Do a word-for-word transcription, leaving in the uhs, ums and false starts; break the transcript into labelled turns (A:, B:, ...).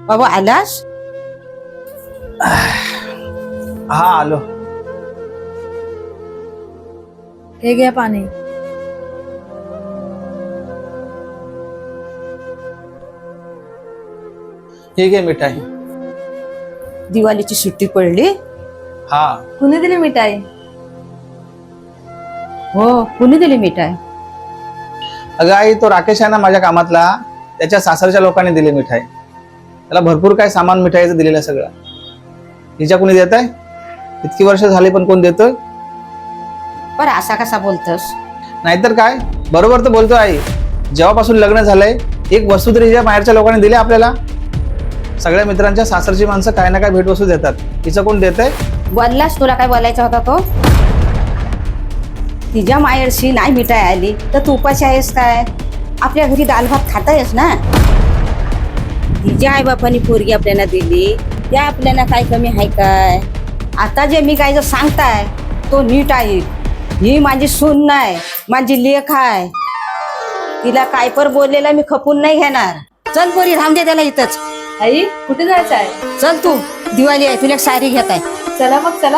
A: बाबा आलास?
B: हा आलो.
C: हे घ्या पाणी.
B: ठीक आहे मिठाई.
A: दिवाळीची सुट्टी पडली.
B: हा
C: कुणी दिली मिठाई?
A: हो, कुणी दिली मिठाई?
B: अगं आई, तो राकेश आहे ना माझ्या कामातला, त्याच्या सासरच्या लोकांनी दिली मिठाई. त्याला भरपूर काय सामान मिठाईचं दिलेलं आहे सगळं. हिच्या कोणी देत आहे? इतकी वर्ष झाली पण कोण देतोय?
A: पर असा कसा बोलतस?
B: नाहीतर काय, बरोबर तर बोलतोय आई. जेव्हापासून लग्न झालंय एक वस्तू तरी हिच्या बाहेरच्या लोकांनी दिली आपल्याला. सगळ्या मित्रांच्या सासरची माणसं काय ना काय भेटवस्तू देतात. हिचं कोण देत आहे?
A: बोललास, तुला काय बोलायचा होता तो? तिच्या माहेरशी नाही मिठाई आली तर तू उपाशी आहेस काय? आपल्या घरी दाल भात खातायस ना. तिच्या आईबापांनी पोरगी आपल्याला दिली, त्या आपल्याला काय कमी आहे काय? आता जे मी काय जर सांगताय तो नीट आहे. ही माझी सून नाही, माझी लेक आहे. तिला काय पर बोललेला मी खपून नाही घेणार. चल पोरी, थांब दे त्याला इथंच.
C: आई कुठे जायचं आहे?
A: चल तू, दिवाळी आहे, तुला एक साडी घेत आहे.
C: चला मग चला.